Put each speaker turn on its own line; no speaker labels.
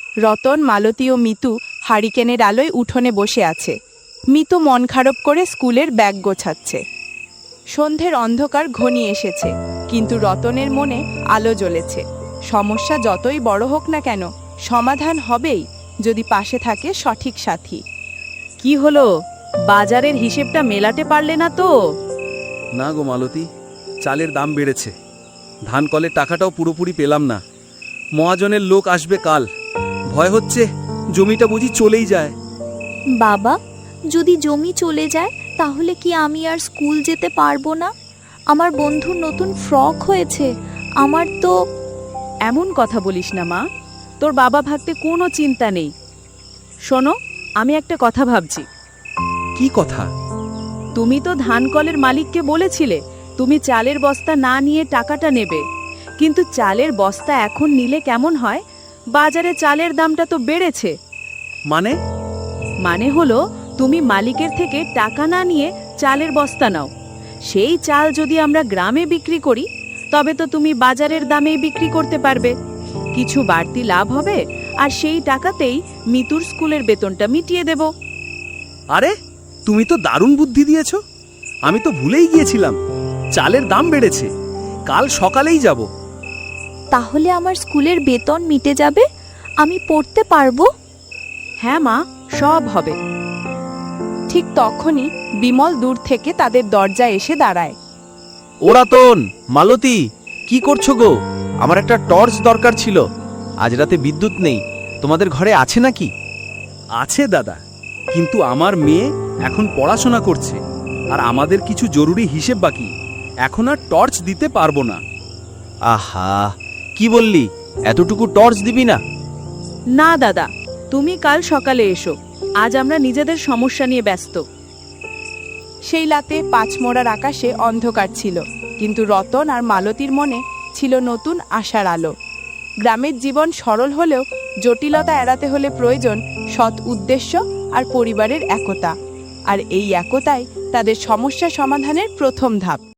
রতন, মালতী ও মিতু হারিকেনের আলোয় উঠোনে বসে আছে। মিতু মন খারাপ করে স্কুলের ব্যাগ গোছাচ্ছে। সন্ধ্যের অন্ধকার ঘনিয়ে এসেছে, কিন্তু রতনের মনে আলো জ্বলেছে। সমস্যা যতই বড় হোক না কেন, সমাধান হবেই যদি পাশে থাকে সঠিক সাথী।
কি হলো, বাজারের হিসেবটা মেলাতে পারলে না তো?
না গো মালতী, চালের দাম বেড়েছে। ধান কলের টাকাটাও পুরোপুরি পেলাম না। মহাজনের লোক আসবে কাল। ভয় হচ্ছে জমিটা বুঝি চলেই যায়।
বাবা, যদি জমি চলে যায় তাহলে কি আমি আর স্কুল যেতে পারবো না? আমার বন্ধুর নতুন ফ্রক হয়েছে, আমার তো।
এমন কথা বলিস না মা, তোর বাবা ভাবতে কোনো চিন্তা নেই। শোনো, আমি একটা কথা ভাবছি।
কি কথা?
তুমি তো ধান কলের মালিককে বলেছিলে তুমি চালের বস্তা না নিয়ে টাকাটা নেবে, কিন্তু চালের বস্তা এখন নিলে কেমন হয়? বাজারে চালের দামটা তো বেড়েছে। মানে হলো, তুমি মালিকের থেকে টাকা না নিয়ে চালের বস্তা নাও। সেই চাল যদি আমরা গ্রামে বিক্রি করি, তবে তো তুমি বাজারের দামেই বিক্রি করতে পারবে। কিছু বাড়তি লাভ হবে, আর সেই টাকাতেই মিতুর স্কুলের বেতনটা মিটিয়ে দেব।
আরে, তুমি তো দারুণ বুদ্ধি দিয়েছ। আমি তো ভুলেই গিয়েছিলাম চালের দাম বেড়েছে। কাল সকালেই যাব।
তাহলে আমার স্কুলের বেতন মিটে যাবে, আমি পড়তে পারবো।
হ্যাঁ মা, সব হবে।
ঠিক তখনই বিমল দূর থেকে তাদের দরজায় এসে দাঁড়ায়।
ওরাতন, মালতী, কি করছো গো? আমার একটা টর্চ দরকার ছিল। আজ রাতে বিদ্যুৎ নেই, তোমাদের ঘরে আছে নাকি?
আছে দাদা, কিন্তু আমার মেয়ে এখন পড়াশোনা করছে, আর আমাদের কিছু জরুরি হিসেব বাকি। এখন আর টর্চ দিতে পারবো না।
আহা, কি বললি? এতটুকু টর্চ দিবি না?
না দাদা, তুমি কাল সকালে এসো। আজ আমরা নিজেদের সমস্যা নিয়ে ব্যস্ত।
সেই রাতে পাঁচমোড়ার আকাশে অন্ধকার ছিল, কিন্তু রতন আর মালতীর মনে ছিল নতুন আশার আলো। গ্রামের জীবন সরল হলেও জটিলতা এড়াতে হলে প্রয়োজন সৎ উদ্দেশ্য আর পরিবারের একতা। আর এই একতাই তাদের সমস্যা সমাধানের প্রথম ধাপ।